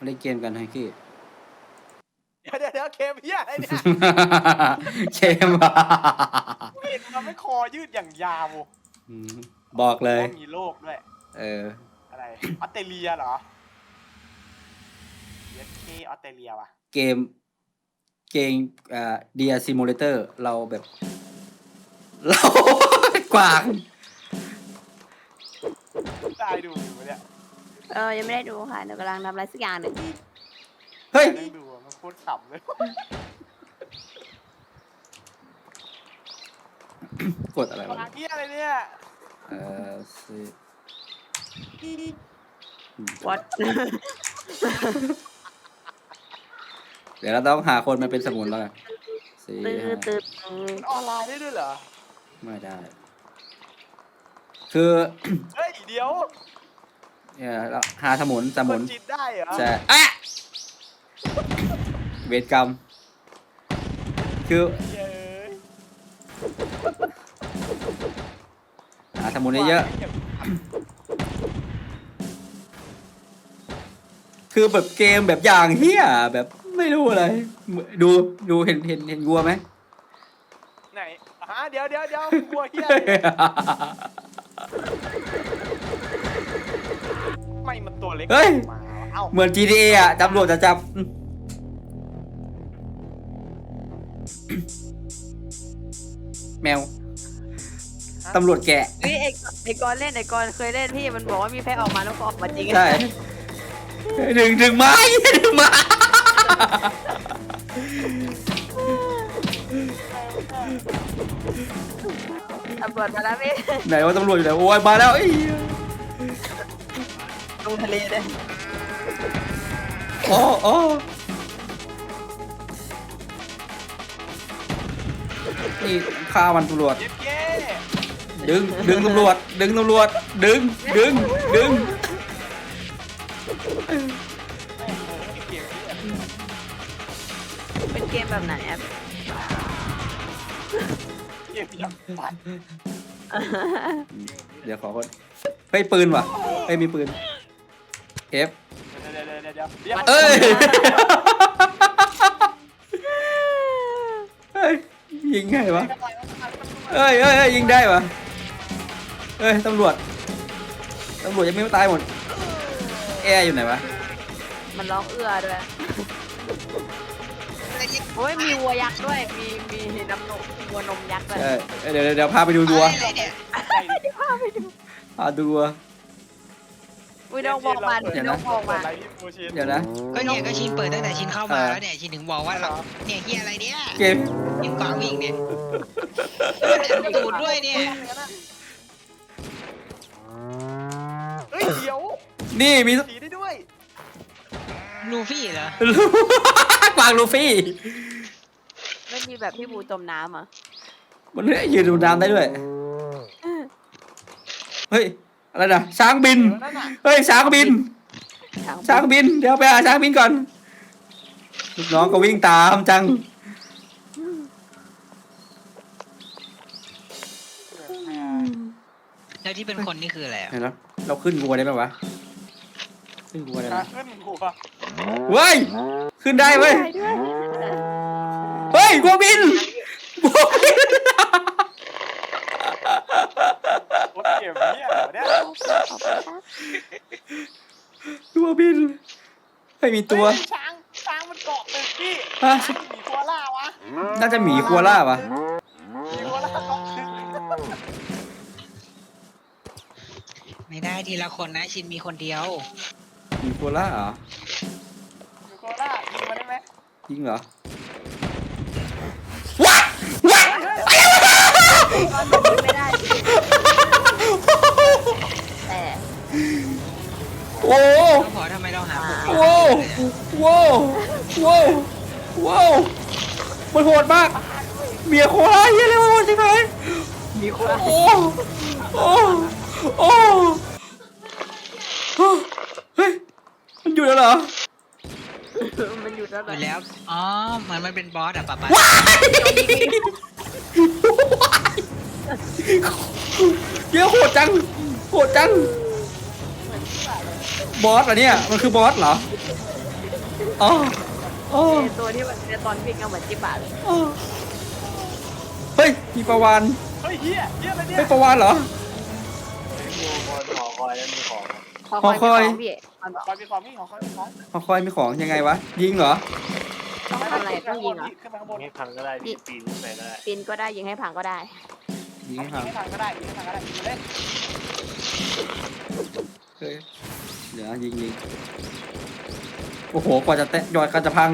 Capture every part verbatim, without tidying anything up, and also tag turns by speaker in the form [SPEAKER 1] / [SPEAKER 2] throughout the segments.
[SPEAKER 1] มาเล่นเกมกันไฮกี้
[SPEAKER 2] เดี๋ยวเดี๋ยวเดี๋ยวเกมเฮียอะไรเนี่ย
[SPEAKER 1] เกมอ่ะ
[SPEAKER 2] เห็นมันไม่คอยืดอย่างยาว
[SPEAKER 1] บอกเลย
[SPEAKER 2] มีโลกด้วย
[SPEAKER 1] เออ
[SPEAKER 2] อะไรออสเตรเลียเหรอเยสเคออสเตรเลียว่ะ
[SPEAKER 1] เกมเกมอ่าเดียซิมูเลเตอร์เราแบบเรากวาง
[SPEAKER 2] ได้ดูอยู่เนี่ย
[SPEAKER 3] เออยังไม่ได้ดูค่ะหนูกำลังทำอะไรสักอย่างหนึ่ง
[SPEAKER 1] เฮ้ย
[SPEAKER 2] ได้ดูมันโคตรขำเลย
[SPEAKER 1] กดอะไรวะ
[SPEAKER 2] เฮียอะไรเนี่ย
[SPEAKER 1] เออสิ
[SPEAKER 3] วัด
[SPEAKER 1] เดี๋ยวเราต้องหาคนมาเป็นสมุนแล้วกันสี่
[SPEAKER 3] ตื่นตื่น
[SPEAKER 2] มันออนไลน์ได้ด้วยเหรอ
[SPEAKER 1] ไม่ได้คือ
[SPEAKER 2] เฮ้ยเดี๋ยว
[SPEAKER 1] เนี่ยเราหาสมุนสมุน
[SPEAKER 2] จิตได้เหรอ
[SPEAKER 1] ใช่อะเวทกรรมคือหาสมุนเยอะคือแบบเกมแบบอย่างเฮียแบบไม่รู้อะไรดูดูเห็นเห็นเห็นวัวไหม
[SPEAKER 2] ไหนฮะเดี๋ยวเดี๋ยวเดี๋ยววัวเฮียไม่มันตัวเล็ก
[SPEAKER 1] เฮ้ย
[SPEAKER 2] เอ้า
[SPEAKER 1] เหมือน จี ที เอ อ่ะตำรวจจะจับแมวตำรวจแกะ
[SPEAKER 3] นี่ไอ้ไอ้กอนเล่นไอ้กอนเคยเล่นพี่มันบอกว่ามีแพ้ออกมาแล้วก็ออกมาจริง
[SPEAKER 1] ใช่ดึงดึงไม้ดึงไม้
[SPEAKER 3] ตำรวจมาแล้วพี่
[SPEAKER 1] ไหนว่าตำรวจอยู่ไหนโอ้ยมาแล้วไอ้
[SPEAKER 3] ลงทะเลเลย
[SPEAKER 1] โอ้โอ้นี่ฆ่ามันตำรวจดึงดึงตำรวจดึงตำรวจดึงดึงดึง
[SPEAKER 3] เป็นเกมแบบไหนอ่ะ
[SPEAKER 2] เกมยังปัด
[SPEAKER 1] เดี๋ยวขอคนเฮ้ยปืนว่ะเฮ้ยมีปืนเอฟเอ้ยเฮ้ยยิงไงวะเอ้ยเอ้ยยิงได้วะเอ้ยตำรวจตำรวจยังไม่ตายหมดแอร์อยู่ไหนวะ
[SPEAKER 3] มันร้องเอื้อด้วยโอ้ยมีวัวยักษ์ด้วยมีมีน้ำนมวัวนมยักษ์ด้วย
[SPEAKER 1] เดี๋ยวเดี๋ยวพาไปดูวัว
[SPEAKER 3] พาไปดู
[SPEAKER 1] พาดูวัว
[SPEAKER 3] อุ้ยน้องบอกมาน้องบอกมา
[SPEAKER 1] เดี๋ยวนะ
[SPEAKER 4] ก็เนี่ยก็ชินเปิดตั้งแต่ชินเข้ามาแล้วเนี่ยชินถึงบอกว่าเราเนี่ยเฮียอะไรเนี่ย
[SPEAKER 1] เกม
[SPEAKER 4] ยิงกว่าวิ่งเนี่ยตูดด้วยเนี่ย
[SPEAKER 2] เฮ้ยเดี๋ยว
[SPEAKER 1] นี่มี
[SPEAKER 2] สีได้ด้วย
[SPEAKER 4] ลูฟี่เหรอก
[SPEAKER 1] วางลูฟี่
[SPEAKER 3] ไม่มีแบบพี่บูจมน้ำอ่ะ
[SPEAKER 1] มันยืนดูน้ำได้ด้วยเฮ้ยอะไรนะช้างบินเฮ้ยช้างบินช้างบินเดี๋ยวไปหาช้างบินก่อนลูกน้องก็วิ่งตามจัง
[SPEAKER 4] แล้วที่เป็นคนนี่คืออะไร
[SPEAKER 1] เห็นแล้วเราขึ้นวัวได้ไหมวะขึ้นวัวได้ไหม
[SPEAKER 2] ขึ้นวัว
[SPEAKER 1] เว้ยขึ้นได้เว้ยเฮ้ยวัวบินวัวบิน
[SPEAKER 2] เกมเนี่ยเนี่ย
[SPEAKER 1] วัวบินไม่มีตัว
[SPEAKER 2] ช้างช้างมันเกาะตึกพี่หมีคัวล่าวะ
[SPEAKER 1] น่าจะหมีคัวล่าวะ
[SPEAKER 2] หมีคัวล่าเกาะตึก
[SPEAKER 4] ไม่ได้ทีละคนนะชินมีคนเดียว
[SPEAKER 1] หมีคัวล่าเหรอ
[SPEAKER 2] หมีคัวล่ายิงมาได้ไหม
[SPEAKER 1] ยิงเหรอว้าว้า
[SPEAKER 3] ไม่ได้แต่
[SPEAKER 1] โอ้
[SPEAKER 4] ขอทำไมเราหา
[SPEAKER 1] โว้โว้โว้โว้มันโหดมากเมียโคล่าเยอะเลยโหดจริงไหม
[SPEAKER 3] มีโคล่า
[SPEAKER 1] โอ้โอ้โอ้เฮ้ยมันอยู่แล้วเหรอ
[SPEAKER 3] มันอยู่แล้ว
[SPEAKER 4] แล้วอ๋อมันมันเป็นบอสอะป๊าป๊า
[SPEAKER 1] เยอะโหดจังโหดจังบอสเหรอเนี่ยมันคือบอสเหรออ๋ออ๋อ
[SPEAKER 3] ไอ้ตัวที่มันเป็นตอนวิ่งก็เหมือนจิบะเลย
[SPEAKER 1] อ๋อเฮ้ยมีประวาน
[SPEAKER 2] เฮ้ยเฮียเฮียอะไรเนี่ย
[SPEAKER 1] เฮ้ยประวานเหรอ
[SPEAKER 2] ดูคนหอคอยแล้วมีของ
[SPEAKER 3] คอย
[SPEAKER 1] หอคอย
[SPEAKER 3] มีของพี่มันบอก
[SPEAKER 2] คอยมีของพี่หอคอยมีของ
[SPEAKER 1] หอคอยมีของยังไงวะยิงเหรอ
[SPEAKER 3] ต้องทำอะไรต้องยิงเหรอ
[SPEAKER 2] ขึ้นไปข้างบน
[SPEAKER 5] ยิงให้พังก็ได้พี่ปีนขึ้นไปก็ได้
[SPEAKER 3] ปีนก็ได้ยิงให้พังก็ได้
[SPEAKER 1] ยิง
[SPEAKER 2] ยิ
[SPEAKER 1] ให้
[SPEAKER 2] ง
[SPEAKER 1] พัง
[SPEAKER 2] ให้พังก็ได้ยิงให้พังก็ได้ยิงมาเลย
[SPEAKER 1] เฮ้ยเดี๋ยวนะยิงยิงโอ้โหกว่าจะแตะยอดกันจะพัง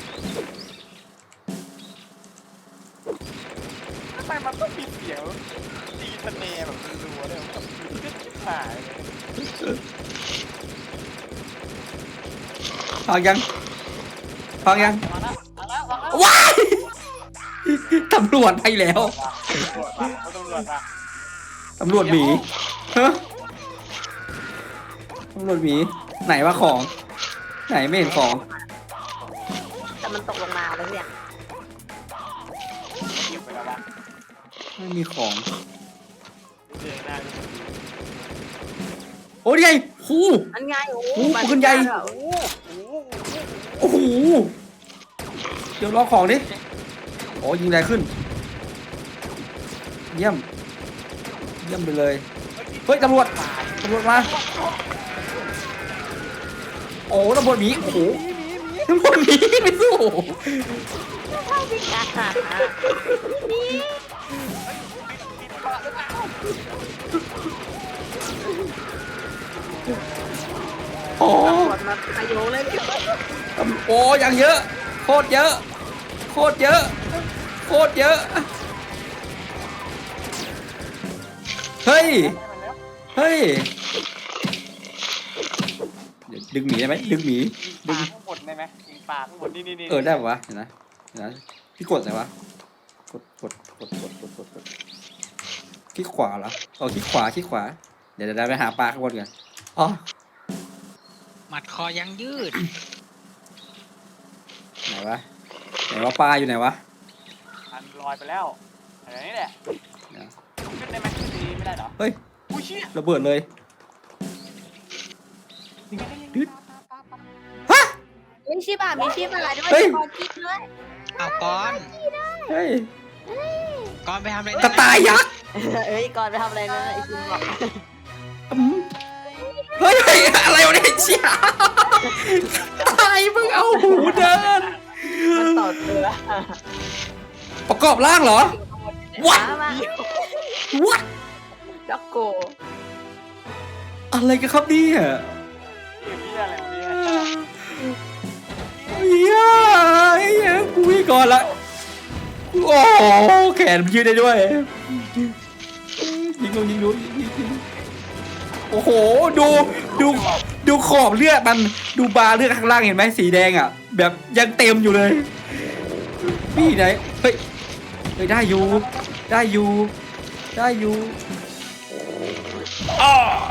[SPEAKER 2] ทำไมมันต้องมีเสียงตีสเนร์แบบรัวๆเลยแบบขึ้นชิบหายเลย
[SPEAKER 1] พังยังพังยัง
[SPEAKER 2] มาแล้วมาแล้วมาแล้ว
[SPEAKER 1] ว้ายตำรวจไปแล้ว
[SPEAKER 2] ตำรวจมาตำรวจมา
[SPEAKER 1] ตำรวจหมีฮะตำรวจหมีไหนวะของ ไหนไม่เห็นของ
[SPEAKER 3] แต่มันตกลงมาแล้วเนี่ย
[SPEAKER 2] หยิบไปแล้ววะ
[SPEAKER 1] ไม่มีของ
[SPEAKER 5] เดินหน้าก็
[SPEAKER 1] โอ้ยไงหู
[SPEAKER 3] อันไงโอ้
[SPEAKER 1] โอ้
[SPEAKER 3] มั
[SPEAKER 1] ปืนใหญ่
[SPEAKER 2] โอ้โหโอ้โห
[SPEAKER 1] โอ้โหเดี๋ยวรอของดิโอ้ยิงแรงขึ้น เยี่ยม เยี่ยมไปเลย เฮ้ยตำรวจตำรวจมา โอ้ตำรวจหมีโอ้โหตำรวจหมีไม่สู้ โอ้
[SPEAKER 3] ตำรวจมาขยโยงเลยพี่
[SPEAKER 1] โอ้ยังเยอะ โคตรเยอะ โคตรเยอะ โคตรเยอะ เฮ้ย เฮ้ย เดี๋ยวดึงหมีได้ไหมดึงหมี
[SPEAKER 2] ยิงปลาข้างบนได้ไหมยิงปลาข้างบนนี่นี่นี่
[SPEAKER 1] เออได้ปะวะเห็นนะเห็นนะพี่กดอะไรวะ กดกดกดกดกดกดกดคลิกขวาเหรอเออคลิกขวาคลิกขวา เดี๋ยวเดี๋ยวไปหาปลาข้างบนกันอ๋อ
[SPEAKER 4] หมัดคอยังยืด
[SPEAKER 1] ไหนวะ ไหนวะปลาอยู่ไหนวะ
[SPEAKER 2] อันลอยไปแล้วอะไรนี่แหละ
[SPEAKER 1] เดี๋ยว
[SPEAKER 2] ขึ้นได้ไหมขึ้นดีไม่ได้เหรอ
[SPEAKER 1] เฮ้ย
[SPEAKER 2] อุ้ยเชี่ย
[SPEAKER 1] ระเบิดเลย
[SPEAKER 2] ยิงไงยิง
[SPEAKER 1] ดึ๊ด
[SPEAKER 2] ปลาปลาปลา
[SPEAKER 1] ฮะ
[SPEAKER 3] มีชิบะมีชิบะด้วย
[SPEAKER 1] เฮ้ย
[SPEAKER 3] คอคิดด้วย
[SPEAKER 4] เอาก้อน
[SPEAKER 1] เฮ้ย
[SPEAKER 4] ก้อนไปทำอะไร
[SPEAKER 1] กระต่ายยักษ์
[SPEAKER 3] เอ้ยก่อนไปทำอะไรนะไอ้คุณบอก
[SPEAKER 1] อืมเฮ้ยเฮ้ยอะไรวะเนี่ยเชี่ยกระต่ายมึงเอาหูเดิน
[SPEAKER 3] มันต่อเรือ
[SPEAKER 1] ประกอบร่างเหรอ What?
[SPEAKER 3] มา
[SPEAKER 1] What
[SPEAKER 3] ด็อกโก
[SPEAKER 1] อะไรกันครับเนี่ย
[SPEAKER 2] เฮียอะไรวะเนี่ย
[SPEAKER 1] เฮียเฮียกูวิ่งก่อนละโอ้แขนมันยืดได้ด้วยยิงลงยิงลงยิงยิงโอ้โหดูดูดูขอบเลือดมันดูบาร์เลือดข้างล่างเห็นไหมสีแดงอ่ะ แบบยังเต็มอยู่เลยพี่ไหนเฮ้ยเฮ้ยได้อยู่ได้อยู่ได้อยู่อ้อ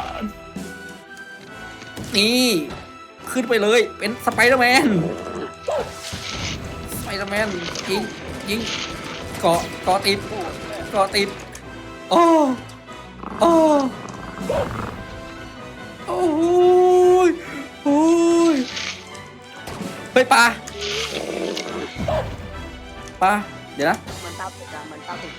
[SPEAKER 1] นี่ขึ้นไปเลยเป็นสไปเดอร์แมนสไปเดอร์แมนยิงยิงเกาะเกาะติดเกาะติดโอ้โอ้โอ้ยโอ้ยเฮ้ยปลาปลาเดี๋ยวนะ
[SPEAKER 3] เหมือนตาผุกอะเหมือนตาผุก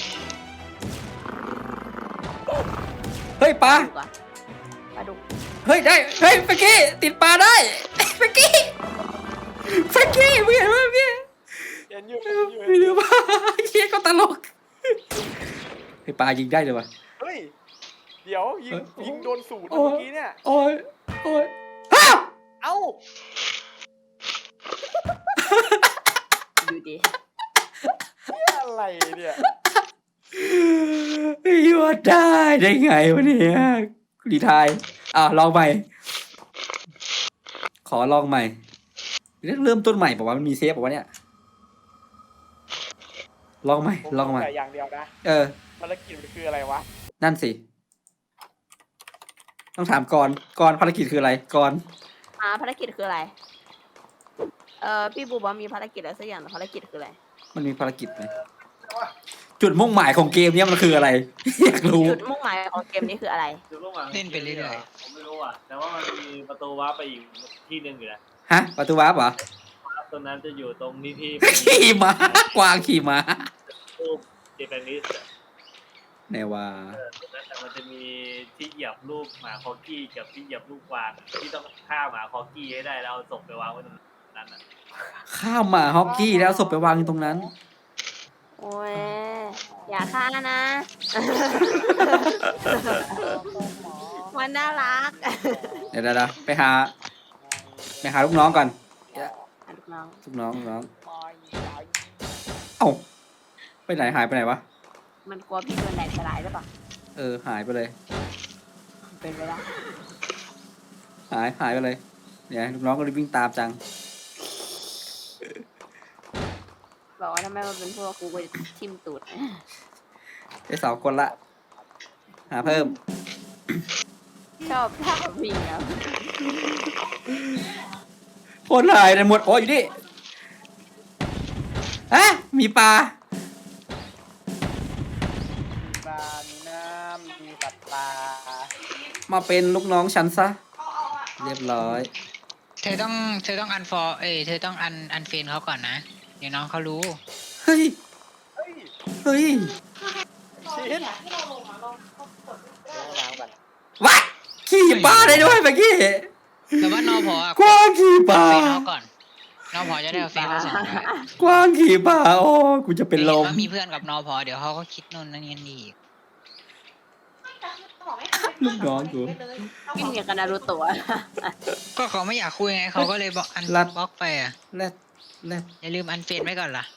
[SPEAKER 1] เฮ้ยปลา
[SPEAKER 3] ดุกอะปลาดุก
[SPEAKER 1] เฮ้ยได้เฮ้ยเมื่อกี้ติดปลาได้เมื่อกี้เมื่อกี้มึงเห็นไหมเมื่อกี้
[SPEAKER 2] เห็นอยู่เห็นอยู่
[SPEAKER 1] ไม่รู้ว่าเฮียก็ตลกเฮ้ยปลายิงได้เลยวะ
[SPEAKER 2] เฮ้ยเดี๋ยวยิง
[SPEAKER 1] เอ้ย
[SPEAKER 2] ยิงโดนสูตร
[SPEAKER 1] โอ้
[SPEAKER 2] เมื่อกี้เนี่ย
[SPEAKER 1] โอ้ยโอ้ยฮ่า
[SPEAKER 2] เอ้า
[SPEAKER 3] ดูดิ
[SPEAKER 2] เฮียอะไรเนี่ย
[SPEAKER 1] พี่ว่าได้ได้ไงวะเนี่ยรีไทายอ่ะลองใหม่ ขอลองใหม่เริ่มต้นใหม่บอกว่ามันมีเซฟบอกว่าเนี่ยลองใหม่
[SPEAKER 2] ผม
[SPEAKER 1] ลองใหม่
[SPEAKER 2] แต่อย่างเดียวนะ
[SPEAKER 1] เออ
[SPEAKER 2] ภารกิจมันคืออะไรวะ
[SPEAKER 1] นั่นสิ ต้องถามก่อนก่อนภารกิจคืออะไรก่อน
[SPEAKER 3] อ่าภารกิจคืออะไร เอ่อพี่บูบอกว่ามีภารกิจอะไรสักอย่างแต่ภารกิจคืออะไร
[SPEAKER 1] มันมีภารกิจไหมจุดมุ่งหมายของเกมเนี้ยมันคืออะไร อยากรู้
[SPEAKER 3] จุดมุ่งหมายของเกมนี้คืออะไร
[SPEAKER 5] จุดลงมา
[SPEAKER 4] เล่นไปเรื่อย
[SPEAKER 5] ผมไม่รู้อ่ะแต่ว่ามันมีประตูวาร์ปไปอีกที่หนึ่งอยู่นะ
[SPEAKER 1] อฮะประตูวาร์ปเหรอ
[SPEAKER 5] ตรงนั้นจะอยู่ตรงนี้ที่
[SPEAKER 1] ขี่ม้ากวางขี่ม้า
[SPEAKER 5] รูปเจแปนิส
[SPEAKER 1] ไหนว่า
[SPEAKER 5] เออตรงนั้นแต่มันจะมีที่เหยียบรูปหมาคอกี้กับที่เหยียบรูปกวางที่ต้องฆ่าหมาคอกี้ให้ได้แล้วเอาศพไปวางไว้ตรงนั้นน่ะ
[SPEAKER 1] ข้ามมาฮอกกี้แล้วเอาศพไปวางอยู่ตรงนั้น
[SPEAKER 3] โอ้ยอย่าฆ่านะ มันน่ารัก
[SPEAKER 1] เดี๋ยวเดี๋ยวเดี๋ยวไปหาไปหาลูกน้องก่อน
[SPEAKER 3] อ่ะลูกน้อง
[SPEAKER 1] ลูกน้องลูกน้องเอ้าไปไหนหายไปไหนวะ
[SPEAKER 3] มันกลัวพี่โดนแดดสลายหรือเปล่า
[SPEAKER 1] เออหายไปเลย
[SPEAKER 3] เป็นไปได้
[SPEAKER 1] หายหายไปเลยเนี่ยลูกน้องก็เลยวิ่งตามจัง
[SPEAKER 3] บอกว่าถ้าแม่มันเป็นพวกกูก็จะทิ่มตูด
[SPEAKER 1] ได้สองคนละ หาเพิ่ม
[SPEAKER 3] ชอบท่าวิ่งอ่ะ
[SPEAKER 1] คนหายในหมดโอ้ยอยู่นี่อะมีปลา
[SPEAKER 2] ปลามีน้ำมีสัตว์ปลา
[SPEAKER 1] มาเป็นลูกน้องฉันซะ เรียบร้อย
[SPEAKER 4] เธอต้องเธอต้องอันฟอร์เอ้ยเธอต้องอันอันเฟนเขาก่อนนะเดี๋ยวน้องเขารู้
[SPEAKER 1] เฮ้ย
[SPEAKER 2] เฮ้ย
[SPEAKER 1] เฮ้ย
[SPEAKER 2] ชิ้นเดี๋ยวล้างกัน
[SPEAKER 1] วะขี่ปลาได้ด้วยเมื่อกี้
[SPEAKER 4] แต่ว่านอพออะ
[SPEAKER 1] กวางขี่ปลา
[SPEAKER 4] เฟนเขาก่อนนอพอจะได้เอาเฟนเขาส่งไป
[SPEAKER 1] กวางขี่ปลาโอ้กูจะเป็นลม
[SPEAKER 4] เห็ว่ามีเพื่อนกับนอพอเดี๋ยวเขาก็คิดนู่นนั่นนี่อีก
[SPEAKER 1] ลูกน้องกู
[SPEAKER 3] วิ่งอย่างกับนารูโตะ
[SPEAKER 4] ก็เขาไม่อยากคุยไงเขาก็เลยบอกอัน
[SPEAKER 1] รัด
[SPEAKER 4] บล็อกไปอ่ะ
[SPEAKER 1] แรดแรด
[SPEAKER 4] อย่าลืมอันเฟนไว้ก่อนล่ะ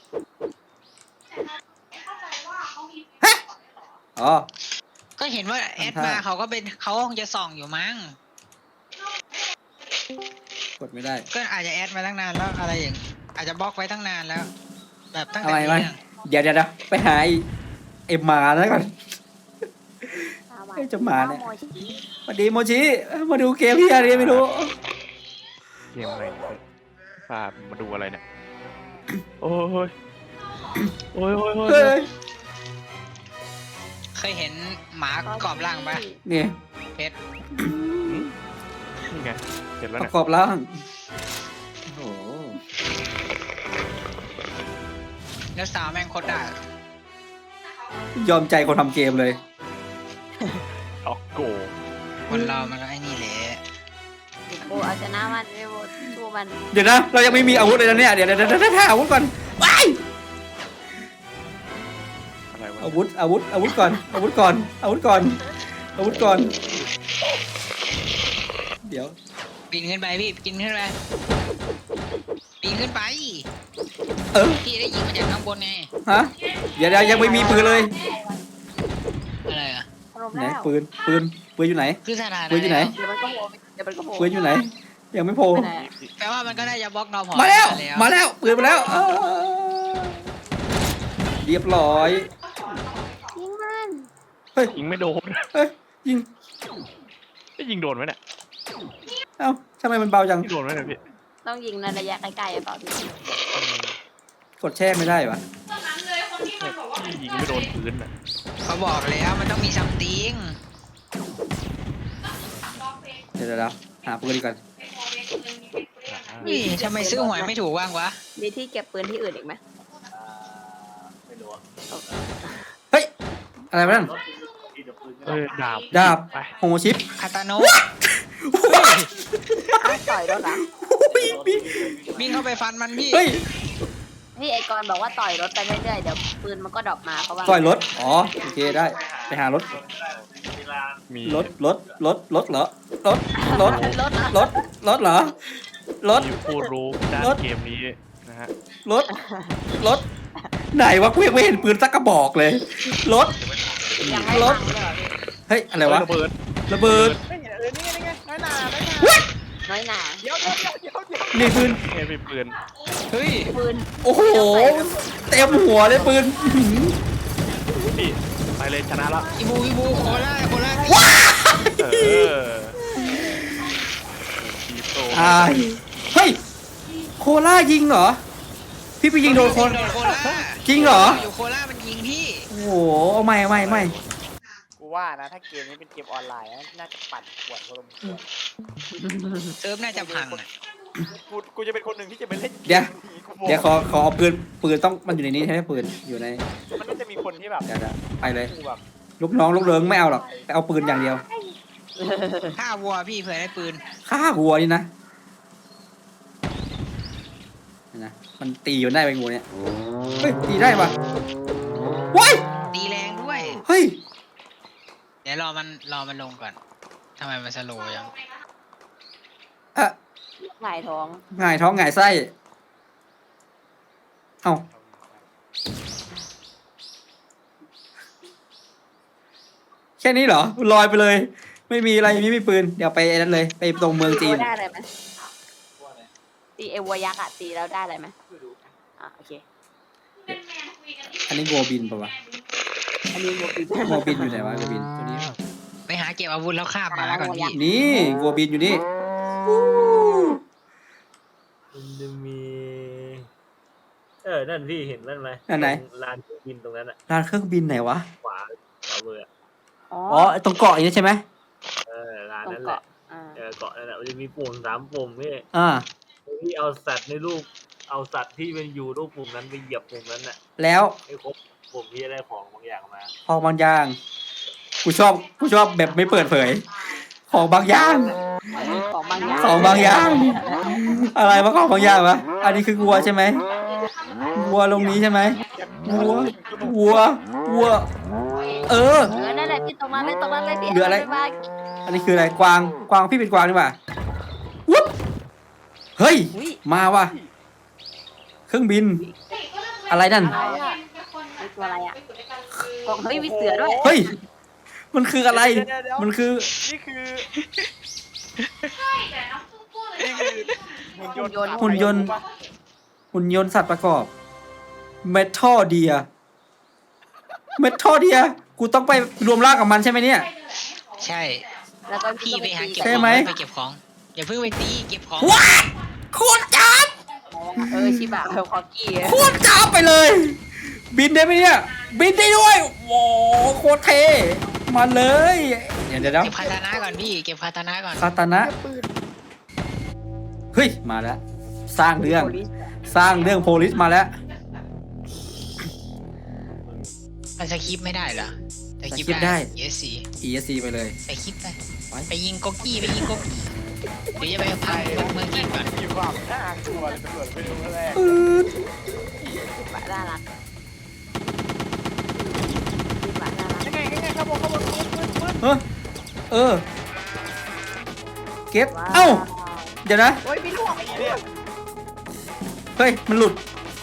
[SPEAKER 1] อ๋อ
[SPEAKER 4] ก็เห็นว่าแอด
[SPEAKER 1] ทำท่า
[SPEAKER 4] มาเขาก็เป็นเขาคงจะส่องอยู่มั้ง
[SPEAKER 1] กดไม่ได้
[SPEAKER 4] ก็อาจจะแอดมาตั้งนานแล้วอะไรอย่างอาจจะบล็อกไว้ตั้งนานแล้ว แบบตั้งแต่
[SPEAKER 1] อะไร
[SPEAKER 4] มี
[SPEAKER 1] วะ
[SPEAKER 4] เรื่อง
[SPEAKER 1] เดี๋ยวเดี๋ยวเดี๋ยวไปหาไอ้ไอ้หมาแล้วก่อน เอ้ยจะมาเนี่ย สวัสดีโมชิเอ้ยมาดูเกมที่อะไรไม่รู้
[SPEAKER 2] เกมอะไรเนี่ยพามาดูอะไรเนี่ย โอ้ย โอ้ยโอ้ยโอ้ย
[SPEAKER 1] เฮ้ย
[SPEAKER 4] เคยเห็นหมากรอบล่างปะ
[SPEAKER 1] นี่
[SPEAKER 4] เพชร
[SPEAKER 2] นี่ไง เห็นแล้ว
[SPEAKER 1] ป
[SPEAKER 2] เนี่
[SPEAKER 1] ระ
[SPEAKER 2] ย
[SPEAKER 1] กอบร่างโอ้โห
[SPEAKER 4] แล้วสาวแม่งโคตรด่าย
[SPEAKER 1] อมใจคนทำเกมเลย
[SPEAKER 2] ออกโก
[SPEAKER 4] คนเรามันก็ไอ้นี่แหละ
[SPEAKER 3] โบเอาชนะมันไม่โบสู้มัน
[SPEAKER 1] เดี๋ยวนะ เรายังไม่มีอาวุธเลยนะเนี่ย เดี๋ยวเดี๋ยวเดี๋ยวเดี๋ยวหาอาวุธก่อนว้าย
[SPEAKER 2] อะไรวะ
[SPEAKER 1] อาวุธ อาวุธ อาวุธก่อน อาวุธก่อน อาวุธก่อน อาวุธก่อน เดี๋ยว
[SPEAKER 4] ปีนขึ้นไปพี่ปีนขึ้นไปปีนขึ้นไป
[SPEAKER 1] เออ
[SPEAKER 4] พี่ได้ยิงมาจากข้างบนไง
[SPEAKER 1] ฮะ เดี๋ยวเดี๋ยวยังไม่มีปืนเลย
[SPEAKER 4] อะไรอ่ะ
[SPEAKER 3] อารมณ์
[SPEAKER 1] ไหน
[SPEAKER 3] แล้ว
[SPEAKER 1] ปืน ปืน ปืนอยู่ไหน
[SPEAKER 4] คือสถานะ
[SPEAKER 1] ปืนอยู่ไหน
[SPEAKER 3] เดี๋ยวมันก็โผล่เดี๋ยวมันก็โผล่
[SPEAKER 1] ปืนอยู่ไหน ยังไม่โผล่
[SPEAKER 3] ไปไหนอะ
[SPEAKER 4] แปลว่ามันก็ได้จะบล็อกนอพอ
[SPEAKER 1] มาแล้ว
[SPEAKER 4] ไป
[SPEAKER 1] มาแล้ว ปืนมาแล้วเออเรียบร้อย
[SPEAKER 3] ยิงมัน
[SPEAKER 1] เฮ้ย
[SPEAKER 2] ยิงไม่โดน
[SPEAKER 1] เฮ้ย ยิง
[SPEAKER 2] ไม่ยิงโดนไหมเนี่ย
[SPEAKER 1] เอ้าทำไมมันเบาจัง
[SPEAKER 2] ยิงโดนไหมเนี่ยพี่
[SPEAKER 3] ต้องยิงในระยะใกล้ๆหรือเปล่าพี่
[SPEAKER 1] กดแช่ไม่ได้วะ
[SPEAKER 2] พี่ยิงไม่โดนพื้นน่ะ
[SPEAKER 4] เขาบอกแล้วมันต้องมีซัมติง
[SPEAKER 1] เดี๋ยวเดี๋ยวเดี๋ยวหาปืนดีกว่อน
[SPEAKER 4] นี่ทำไมซื้อหวยไม่ถูกว่างวะ
[SPEAKER 3] มีที่เก็บปืนที่อื่นอีกไหม
[SPEAKER 5] ไม่รู้อะ
[SPEAKER 1] เฮ้ย อะไรวะนั่น
[SPEAKER 5] รถที่จะปืน
[SPEAKER 2] เออดาบ
[SPEAKER 1] ดาบ
[SPEAKER 2] ไป
[SPEAKER 1] โฮชิป
[SPEAKER 4] คาตาโนะ
[SPEAKER 3] ต่อยรถเหรอ
[SPEAKER 4] วิ่งเข้าไปฟันมันพี่
[SPEAKER 1] เฮ้ย
[SPEAKER 3] นี่ไอกรบอกว่าต่อยรถไปเรื่อยๆเดี๋ยวปืนมันก็ดรอปมาเขาว่า
[SPEAKER 1] ต่อยรถ อ๋อ โอเคได้ ไปหารถ
[SPEAKER 5] เวลา
[SPEAKER 2] มี
[SPEAKER 1] รถ รถ รถ รถเหรอ รถ รถ
[SPEAKER 3] รถเหรอ
[SPEAKER 1] รถ รถเหรอ รถ
[SPEAKER 2] มีผู้รู้ด้าน
[SPEAKER 1] รถ
[SPEAKER 2] เกมนี้นะฮะ
[SPEAKER 1] รถ รถ ไหนวะกูยังไม่เห็นปืนสักกระบอกเลย รถ
[SPEAKER 3] ยังไม่
[SPEAKER 1] ร
[SPEAKER 3] ฟั
[SPEAKER 1] ถ
[SPEAKER 3] งเลยเหรอพี่
[SPEAKER 1] เฮ้ย อะไรวะ
[SPEAKER 2] ระเบิด
[SPEAKER 1] ระเบิด
[SPEAKER 2] ไม่เห็นเออนี่ไงนี่ไงน้อยหนาน้อยหนา
[SPEAKER 3] น้อยหนา
[SPEAKER 2] เดี๋ยวเดี๋ยวเดี๋ยวเดี๋ยวเดี๋ยว
[SPEAKER 1] นี่ปืน
[SPEAKER 2] เฮ้ยมีปืน
[SPEAKER 4] เฮ้ย
[SPEAKER 3] ปืน
[SPEAKER 1] โอ้โห เต็มหัวเลยปืนอื้อหือ
[SPEAKER 2] พี่ไปเลยชนะแล้ว
[SPEAKER 4] อีบูอีบูโคล่าโคล่า
[SPEAKER 2] เออทีโต
[SPEAKER 1] ตายเฮ้ย โคล่ายิงเหรอ พี่ไปยิงโดนคน
[SPEAKER 4] โดนโคล่า
[SPEAKER 1] จริงเหรอ
[SPEAKER 4] อยู่โคล่ามันยิงพี่
[SPEAKER 1] โอ้โหเอาไม่ไม่ไม่
[SPEAKER 2] กูว่านะถ้าเกมนี้เป็นเกมออนไลน์น่าจะปั่นปวดพอสมควร
[SPEAKER 4] เซิร์ฟน่าจะพังอะ
[SPEAKER 6] กูกูจะเป็นคนหนึ่งที่จะไปเล่น
[SPEAKER 1] เดี๋ยว
[SPEAKER 6] กูบอก
[SPEAKER 1] เดี๋ยวขอขอเอาปืนปืนต้องมันอยู่ในนี้ใช่ไหมปืนอยู่ใน
[SPEAKER 6] มันน่าจะมีคนที่แบบ
[SPEAKER 1] เดี๋ยวเดี๋ยวไปเลย
[SPEAKER 6] กูแบบ
[SPEAKER 1] ลูกน้องลูกเลิงไม่เอาหรอกไปเอาปืนอย่างเดียว
[SPEAKER 4] ฆ่าวัวพี่เผื่อได้ปืน
[SPEAKER 1] ฆ่าวัวนี่นะนี่นะมันตีอยู่ได้ไปงูเนี่ยเฮ้ยตีได้ปะว้าย
[SPEAKER 4] ตีแรงด้วย
[SPEAKER 1] เฮ้ย
[SPEAKER 4] เดี๋ยวรอมันรอมันลงก่อนทำไมมันสโลว์ยัง
[SPEAKER 1] อะ
[SPEAKER 3] หงายท้อง
[SPEAKER 1] หงายท้องหงายไส้เอาแค่นี้เหรอลอยไปเลย ไม่มีอะไรไม่มีปืนเดี๋ยวไปไอ้นั้นเลยไปตรงเมืองจีน
[SPEAKER 3] ตีวัวได้อะไรไหมตีเอวัวยักษ์อะตีแล้วได้อะไรไหมอ่ะโอเค
[SPEAKER 1] อันนี้วัวบินปะวะ
[SPEAKER 3] อันนี้วัวปี
[SPEAKER 1] วัวบินอยู่ไหนวะวัวบินตัวนี้เปล่า
[SPEAKER 4] ไปหาเก็บอาวุธแล้วคาบหมาก่อนพี่
[SPEAKER 1] นี่วัวบินอยู่นี่
[SPEAKER 5] มันจะมี เออ นั่นพี่เห็นนั่นไหม
[SPEAKER 1] อันไหน
[SPEAKER 5] ลานเครื่องบินตรงนั้นอะ
[SPEAKER 1] ร้านเครื่องบินไหนวะ
[SPEAKER 5] ขวาขวามืออะ
[SPEAKER 3] อ๋อ
[SPEAKER 1] อ๋อตรงเกาะอย่างนี้ใช่ไหม
[SPEAKER 5] เออลาน
[SPEAKER 3] ตรง
[SPEAKER 5] นั่นแหละ
[SPEAKER 3] เกาะอ่า
[SPEAKER 5] เออเกาะนั่นแหละมันจะมีปุ่มสามปุ่มพี่
[SPEAKER 1] อ่า
[SPEAKER 5] พี่เอาสัตว์ในรูป เอาสัตว์ที่มันอยู่รูปปุ่มนั้นไปเหยียบปุ่มนั้นน่ะ
[SPEAKER 1] แล้ว
[SPEAKER 5] ให้ครบปุ่มที่จะได้ของบางอย่างมา
[SPEAKER 1] ของบางอย่างกูชอบกูชอบแบบไม่เปิดเผย ของบางอย่าง
[SPEAKER 3] ของบางอย่าง
[SPEAKER 1] ของบางอย่าง อะไรวะของบางอย่างวะอันนี้คือวัวใช่ไหมวัวลงนี้ใช่ไหมวัววัววัว เออ
[SPEAKER 3] เออนั่นแหละพี่ตรงนั้นเลยตรงนั้นเลยพี่
[SPEAKER 1] เหลืออะไร
[SPEAKER 3] าปบ้าง
[SPEAKER 1] อันนี้คืออะไรกวางกวางพี่เป็นกวางนี่หว่าวุ๊บเฮ้ย
[SPEAKER 3] อุ๊ย
[SPEAKER 1] มาว่ะเครื่องบิน อะไรนั่น
[SPEAKER 3] อะไรอะไอตัวอะไรอะกล่องเฮ้ยมีเสือด้วย
[SPEAKER 1] เฮ้ย มันคืออะไร มันคือ
[SPEAKER 6] นี่คือนี่คือหุ่นยนต์
[SPEAKER 1] หุ่นยนต์ หุ่นยนต์สัตว์ประกอบเมทัลเดียเมทัลเดียกูต้องไปรวมร่างกับมันใช่ไหมเนี่ย
[SPEAKER 4] ใช่
[SPEAKER 3] แล้วก็
[SPEAKER 4] พี่ไปหาเก็บ
[SPEAKER 1] ใช่
[SPEAKER 4] ของ
[SPEAKER 1] ไหม
[SPEAKER 4] ไปเก็บของอย่าเพิ่งไปตีเก็บของ
[SPEAKER 1] ว้าโคตรจับ
[SPEAKER 3] เออชิบะเออคอกี้
[SPEAKER 1] โคตรจับไปเลย บินได้ไหมเนี่ย บินได้ด้วยโว้โคตรเท่มาเลยเดี๋ยวเดี๋ยวเดี๋ยว
[SPEAKER 4] เก็บคาตานะก่อนพี่เก็บคาตานะก่อน
[SPEAKER 1] คาตานะเฮ้ยมาแล้ว สร้างเรื่อง สร้างเรื่องโพลิสมาแล้ว
[SPEAKER 4] มันสคริปต์ไม่ได้เหรอสคริป
[SPEAKER 1] สคริปต์
[SPEAKER 4] ต์
[SPEAKER 1] ได้
[SPEAKER 4] ได้ เอส ซี
[SPEAKER 1] เอ ซี ไปเลย
[SPEAKER 4] ไปคลิปไป
[SPEAKER 1] ไป
[SPEAKER 4] ไปยิงก๊กกี้ไปยิงก๊กกี้เดี๋ยวจะไปพังเมืองจีนก่อน
[SPEAKER 6] มีความน่ากลัวเลยตำรวจไปดูแรก
[SPEAKER 1] ปืด
[SPEAKER 3] ชิบะน่ารักชิบะน่ารัก
[SPEAKER 6] ยังไงยังไงครับผมครับผมปืนปืนปืน
[SPEAKER 1] เออเออ เก็บเอ้า เดี๋ยวนะ
[SPEAKER 3] โอ้ยพี่ลูก
[SPEAKER 6] ไอ้เนี่ย
[SPEAKER 1] เฮ้ย มันหลุด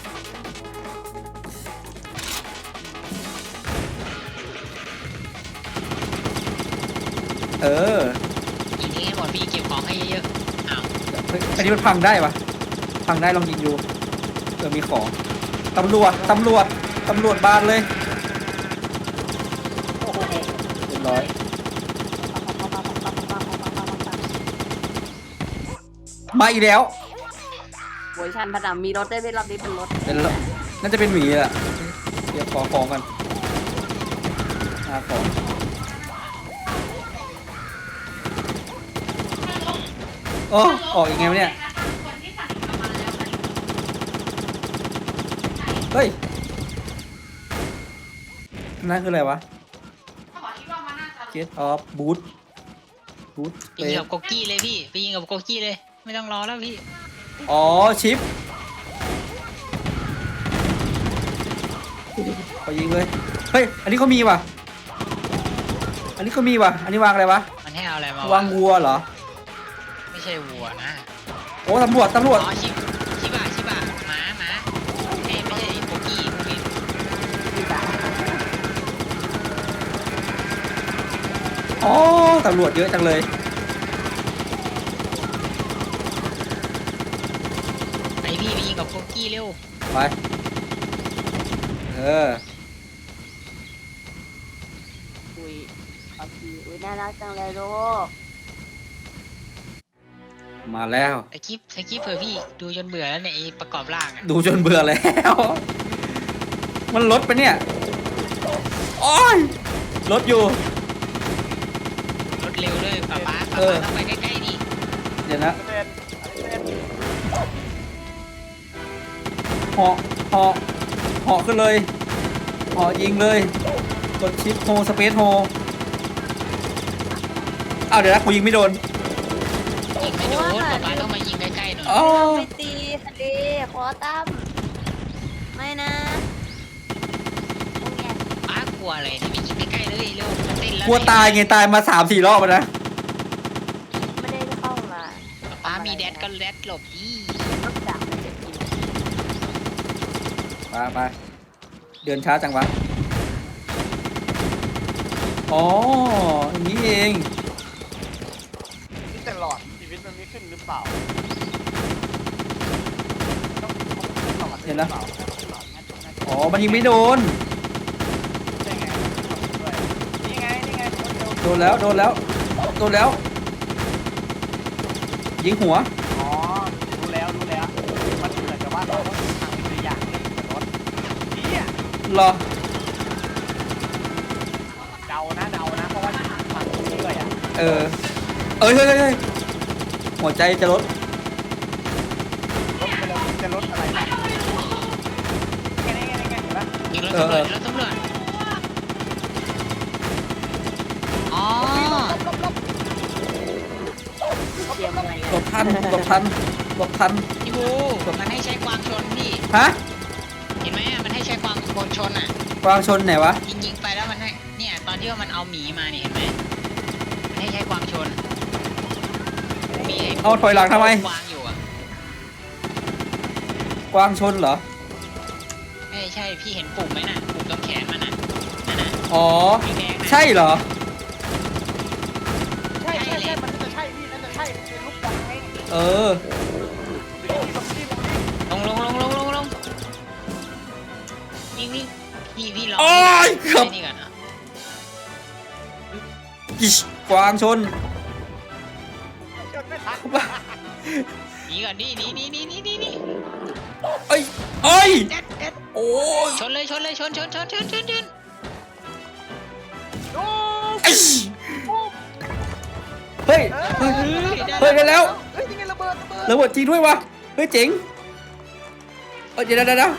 [SPEAKER 1] เออ
[SPEAKER 4] ยิงให้หมดพี่เก็บของให้เยอะๆอ้าว
[SPEAKER 1] เฮ้ยอันนี้มันพังได้ปะพังได้ลองยิงดูเออมีของ ตำรวจ ตำรวจ ตำรวจบานเลยเรียบร้อย มาอีกแล้ว
[SPEAKER 3] เวอร์ชันพัฒนามีรถได้ไม่รอบนี้เป็นรถ
[SPEAKER 1] เป็นรถน่าจะเป็นหมีแหละเดี๋ยวขอของกันหาของ โอ้ออกยังไงวะเนี่ย เฮ้ย นั่นคืออะไรวะ Get off boot boot
[SPEAKER 4] ไปยิงกับก๊กกี้เลยพี่ไปยิงกับก๊กกี้เลย ไม่ต้องรอแล้วพี่
[SPEAKER 1] อ๋อ ชิปไปยิงเลย เฮ้ย อันนี้เขามีว่ะ อันนี้เขามีว่ะ อันนี้วางอะไรวะ
[SPEAKER 4] มันให้เอาอะไรมาว
[SPEAKER 1] างวัวเหรอ
[SPEAKER 4] ไม่ใช่วัวนะ
[SPEAKER 1] โอ้ตำรวจ ตำรวจ
[SPEAKER 4] อ๋อชิบชิบะชิบะหมาหมาไม่ไม่ใช่ก๊กกี้ก๊กกี้
[SPEAKER 3] ชิบะ
[SPEAKER 1] อ๋อ ตำรวจเยอะจังเลย
[SPEAKER 4] ไปพี่ไปยิงกับก๊กกี้เร็ว
[SPEAKER 1] ไป เออ
[SPEAKER 3] อุ้ยคอกี้อุ้ยน่ารักจังเลยลูก
[SPEAKER 1] มาแล้ว
[SPEAKER 4] สคริปต์สคริปต์เผื่อพี่ดูจนเบื่อแล้วเนี่ยไอ้ประกอบร่างอะ
[SPEAKER 1] ดูจนเบื่อแล้ว มันลดไปเนี่ย โอ้ยลดอยู่
[SPEAKER 4] รถเร็วด้วยป๊าป๊าป๊า
[SPEAKER 1] เออ
[SPEAKER 4] ป๊าต้องไปใกล้ๆดิ
[SPEAKER 1] เดี๋ยวนะ
[SPEAKER 6] เป็นอันนี้เป็น
[SPEAKER 1] เหาะเหาะเหาะขึ้นเลยเหาะยิงเลยกดชิปโฮสเปซโฮอ้าวเดี๋ยวนะกูยิงไม่โดน
[SPEAKER 4] ยิงไม่โดนป๊าป๊าต้องมายิงใกล้ๆหน่อย
[SPEAKER 1] อ๋อ
[SPEAKER 3] ไปตีทะเลขอตั้มไม่นะโอ้ย
[SPEAKER 4] ป๊ากลัวอะไรเนี่ยไปยิงใกล้ๆเลยเร็วจะเต้นแล้ว
[SPEAKER 1] กลัวตายไงตายมาสามสี่รอบแล้วนะ
[SPEAKER 3] ไม่ได้เข้ามา
[SPEAKER 4] ป๊ามีแดดก็แดดหลบอี
[SPEAKER 3] นอกจากมันจะกิน
[SPEAKER 1] ไปไปเดินช้าจังวะอ๋ออย่างนี้เอง
[SPEAKER 6] ที่แต่หลอดชีวิตมันไม่ขึ้นหรือเปล่าต้องขึ้นหลอด
[SPEAKER 1] เห็นนะ
[SPEAKER 6] หรือเปล่าขึ้นหลอดน่าจะน่าจะ
[SPEAKER 1] อ๋อมันยิงไม่โดน
[SPEAKER 6] ใช่ไงด้วยนี่ไงนี่ไงคนเดียว
[SPEAKER 1] โดนแล้วโดนแล้วโดนแล้ว ยิงหัว
[SPEAKER 6] อ๋อรู้แล้วรู้แล้วมันเหมือนกับว่าเราต้องทำตัวอย่างเลยรถนี่อ่ะ
[SPEAKER 1] เหรอ
[SPEAKER 6] เดานะเดานะเพราะว่าฟังเรื่อยๆอ่ะ
[SPEAKER 1] เออเอ้ยเฮ้ยเฮ้ยเฮ้ยหัวใจจะลด
[SPEAKER 6] รถไปแล้วจะรถอะไรนะไงไงไงไงเห็นปะ
[SPEAKER 4] ยิงรถตำรวจรถตำรวจอ๋อ
[SPEAKER 3] เตรียมอะไร
[SPEAKER 1] หลบทันหลบทันหลบทัน
[SPEAKER 4] พี่บูมันให้ใช้ความชนพี่
[SPEAKER 1] ฮะ
[SPEAKER 4] เห็นไหมอะมันให้ใช้ความชนอ่ะ
[SPEAKER 1] กวางชนไหนวะ
[SPEAKER 4] ยิงยิงไปแล้วมันให้เนี่ยตอนที่ว่ามันเอาหมีมาเนี่ยเห็นไหมมันให้ใช้ความชนหมีไ
[SPEAKER 1] เอาถอยหลังทำไม
[SPEAKER 4] วางอยู่อ่ะ
[SPEAKER 1] กวางชนเหรอ
[SPEAKER 4] ไม่ใช่พี่เห็นปุ่มไหมน่ะปุ่มตรงแขนมันน่ะนั่นน่ะ
[SPEAKER 1] อ๋อ
[SPEAKER 4] สีแดงน่ะ
[SPEAKER 1] ใช่เหรอ
[SPEAKER 6] ใช่ใช่ใช่มันจะใช่พี่นั่นจะใช่เป็นลูกบอลไง
[SPEAKER 1] เออ
[SPEAKER 6] ดูดิดูดิดูดิ
[SPEAKER 4] ลงลงลงลงลงลงวิ่งวิ่งพี่พี่รอ
[SPEAKER 1] โอ้ยเกือบ
[SPEAKER 4] ไอ้นี่ก่อนนะ
[SPEAKER 1] อิชกวางชน
[SPEAKER 6] จนไม่ทัน
[SPEAKER 4] หนีก่อนดิหนีหนีหนีหนีหนีหนี
[SPEAKER 1] เอ้ยเอ้ย
[SPEAKER 4] เด็ดเด็ด
[SPEAKER 1] โอ้ย
[SPEAKER 4] ชนเลยชนเลยชนชนชนชนชนชน
[SPEAKER 6] โอ้
[SPEAKER 1] อิชเฮ้ย เฮ้ย เฮ้ยได้แล้ว
[SPEAKER 6] เฮ้ยยังไงระเบิดระเบิด
[SPEAKER 1] ระเบิดจริงด้วยวะ เฮ้ยเจ๋งเอ้ยเดี๋ยวเดี๋ยวเดี๋ยว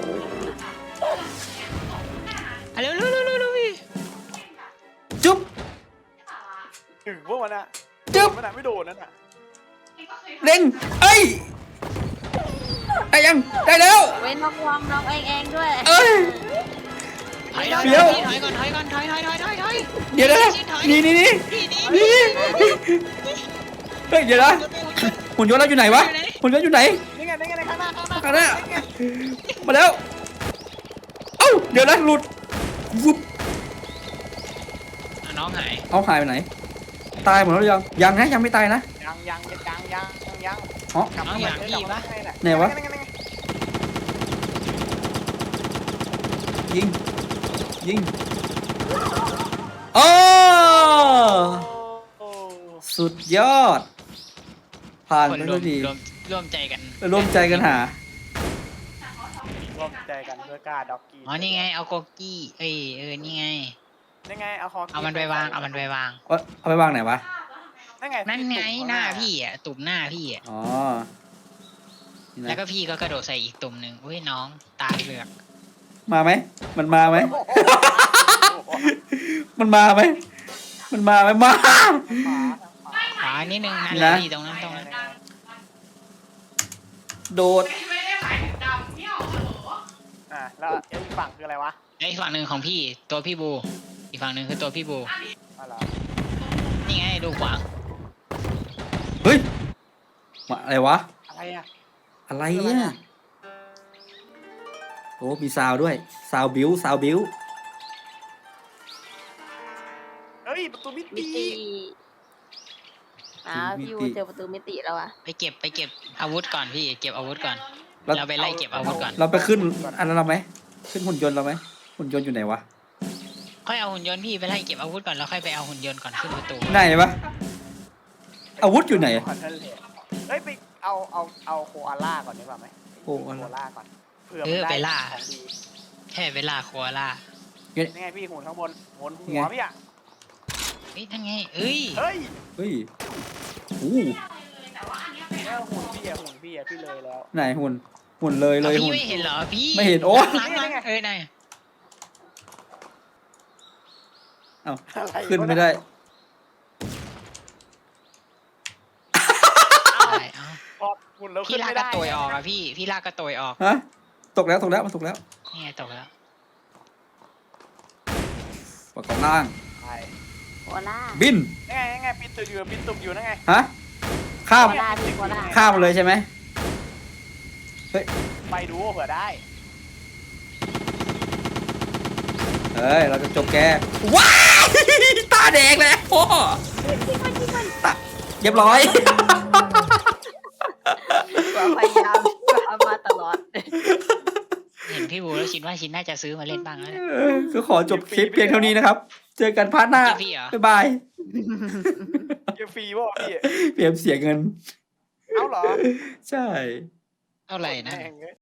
[SPEAKER 4] อ่ะเร็วเร็วเร็วเร็วเร็วพี่
[SPEAKER 1] จุ๊บ
[SPEAKER 6] ถึงพวกมันอะ
[SPEAKER 1] จึ๊บ
[SPEAKER 6] มันอะไม่โดนนั่นอะ
[SPEAKER 1] เร่งเอ้ย ได้ยัง ได้แล้ว
[SPEAKER 3] เว้นน้องวางน้องเองเองด้วย
[SPEAKER 1] เอ้ย
[SPEAKER 4] ถอยถอย
[SPEAKER 1] เดี๋ยว
[SPEAKER 4] ถอยก่อนถอยก่อนถอยถอยถอยถอยถอย
[SPEAKER 1] เดี๋ยวนะนี่นี่นี่
[SPEAKER 4] พี่หนี
[SPEAKER 1] นี่เฮ้ย เดี๋ยวนะหุ่นยนต์เราอยู่ไหนวะ หุ่นยนต์อยู่ไหน
[SPEAKER 6] นี่ไงนี่ไงในข้างหน้าข้างหน้า
[SPEAKER 1] ข้างหน้า มาแล้ว เอ้า เดี๋ยวนะหลุดวุบ
[SPEAKER 4] อ่ะน้องหาย
[SPEAKER 1] เอาหายไปไหน ตายหมดแล้วหรือยัง ยังนะ ยังไม่ตายนะ
[SPEAKER 6] ยังยังยังยังยังยัง
[SPEAKER 1] อ๋อ
[SPEAKER 6] กลับ
[SPEAKER 4] น้องอยากพี่ปะ
[SPEAKER 1] ไหนวะ ยิง ยิงโอ้
[SPEAKER 6] โอ้
[SPEAKER 1] สุดยอด ผ่าน
[SPEAKER 4] คน
[SPEAKER 1] ไป
[SPEAKER 4] ร
[SPEAKER 1] ด้
[SPEAKER 4] ว
[SPEAKER 1] ว
[SPEAKER 4] ม
[SPEAKER 1] ยดี
[SPEAKER 4] รวมร่วมใจกัน
[SPEAKER 1] ร่วมใจกันหา
[SPEAKER 6] ร่วมใจกันเพื่อกล้าด็อกกี้
[SPEAKER 4] อ๋อนี่ไงเอาโกกี้เอ้ยเออนี่ไง
[SPEAKER 6] นี่ไงเอาคอ
[SPEAKER 4] เอามันไปวางเอามันไปวาง
[SPEAKER 1] เอาเอาไปวางไหนวะ
[SPEAKER 6] นั่นไง
[SPEAKER 4] นั่นไงหน้าพี่อ่ะตุ่มหน้าพี่อ่ะ
[SPEAKER 1] อ๋อนี่นะ
[SPEAKER 4] แล้วก็พี่ก็กระโดดใส่อีกตุ่มหนึ่งอุ้ยน้องตาเหลือก
[SPEAKER 1] มาไหม มันมาไหม มันมาไหม มันมาไหมมา
[SPEAKER 4] ขวานิดนึงนั่น
[SPEAKER 1] นะ
[SPEAKER 4] แหละพี่ตรงนั้นตรงนั้น
[SPEAKER 1] โดด
[SPEAKER 6] อ่ะแล้วอีกฝั่งคืออะไรวะ
[SPEAKER 4] ไอ้ฝั่งหนึ่งของพี่ตัวพี่บู อีกฝั่งหนึ่งคือตัวพี่บู
[SPEAKER 6] อ๋อเหรอ
[SPEAKER 4] นี่ไงดูขวาง
[SPEAKER 1] เฮ้ยมาอะไรวะ
[SPEAKER 6] อะไรอ่ะ
[SPEAKER 1] อะไรเนี่ยโอ้มีซาวด้วย ซาวบิวซาวบิว
[SPEAKER 6] เฮ้ยประตูมิ
[SPEAKER 3] มิ
[SPEAKER 6] ติ
[SPEAKER 3] ติอ้าวพี่วูเจอประตูมิติแล้วอะ
[SPEAKER 4] ไปเก็บไปเก็บอาวุธก่อนพี่เก็บอาวุธก่อน
[SPEAKER 1] เรา
[SPEAKER 4] เราไปไล่เก็บอาวุธก่อน
[SPEAKER 1] เราไปขึ้นอันนั้นเราไหม ขึ้นหุ่นยนต์เราไหม หุ่นยนต์อยู่ไหนวะ
[SPEAKER 4] ค่อยเอาหุ่นยนต์พี่ไปไล่เก็บอาวุธก่อนแล้วค่อยไปเอาหุ่นยนต์ก่อนขึ้นประตู
[SPEAKER 1] ไหนวะ อาวุธอยู่ไหน
[SPEAKER 6] ขอทะเลเฮ้ยไปเอาเอาเอาโคอาล่าก่อนดีกว่าไหม
[SPEAKER 1] โคอาล่า
[SPEAKER 6] โคอาล่าก่อนเผื่อ
[SPEAKER 4] เอ
[SPEAKER 6] มัน
[SPEAKER 4] อไป
[SPEAKER 6] ได้
[SPEAKER 4] ล่า
[SPEAKER 6] ของดี
[SPEAKER 4] แค่เวลาโคอาล่า
[SPEAKER 6] นี่ไงพี่หุ่นข้างบนหุ่นหัวพี่อ่ะ
[SPEAKER 4] เฮ้ยนั่นไงเอ้ย
[SPEAKER 6] เฮ้ย
[SPEAKER 1] เฮ้ยอู้
[SPEAKER 6] แล้วหุ่นพี่อ่ะหุ่นพี่อ่ะพี่เลยแล้ว
[SPEAKER 1] ไหนหุ่นหมุนเลยเลย
[SPEAKER 4] เอา
[SPEAKER 1] หมุ
[SPEAKER 4] พี่
[SPEAKER 1] น
[SPEAKER 4] ไม่เห็นเหรอพี่
[SPEAKER 1] ไม่เห็นโอ้
[SPEAKER 4] ล้างล้างเออไหน
[SPEAKER 6] อะไร
[SPEAKER 1] ขึ้นไม่ได้
[SPEAKER 4] ได้เอา
[SPEAKER 6] พอหมุนแล้ว
[SPEAKER 4] พี่
[SPEAKER 6] ขึ้น
[SPEAKER 4] ลาก
[SPEAKER 6] ไม่
[SPEAKER 4] กระ
[SPEAKER 6] ได้
[SPEAKER 4] โตยออกอะพี่พี่ลากกระโตยออก
[SPEAKER 1] ฮะตกแล้วตกแล้วมันตกแล้ว
[SPEAKER 4] นี่ไงตกแล้ว
[SPEAKER 1] ปากกองล่าง
[SPEAKER 6] ใช่
[SPEAKER 3] โคล่า
[SPEAKER 1] บิน
[SPEAKER 6] นั่นไงนั่นไงปิดตึกอยู่ปิดตึกอยู่นั่นไง
[SPEAKER 1] ฮะข้าม
[SPEAKER 3] โคล่าพี่โคล่า
[SPEAKER 1] ข้ามมาเลยใช่ไหม
[SPEAKER 6] ไปดูเผื่อได้
[SPEAKER 1] เฮ้ยเราจะจบแกว้ายตาแดงแล้วพ่อตาเรียบร้อย
[SPEAKER 3] พยายามทำมาตลอด
[SPEAKER 4] เห็นพี่บูแล้วชินว่าชินน่าจะซื้อมาเล่นบ้างแล้วเนี่ย
[SPEAKER 1] เออก็ขอจบคลิปเพียงเท่านี้นะครับ เจอกันพาร์ทหน้า
[SPEAKER 4] เจอพี่เหรอ
[SPEAKER 1] บ๊ายบาย
[SPEAKER 6] เกมฟรีป่ะพี่
[SPEAKER 1] เปรียบเสียเงิน
[SPEAKER 6] เอ้าเหรอ
[SPEAKER 1] ใช่
[SPEAKER 4] เท่าไหร่นะ
[SPEAKER 6] แม่งเอ้ย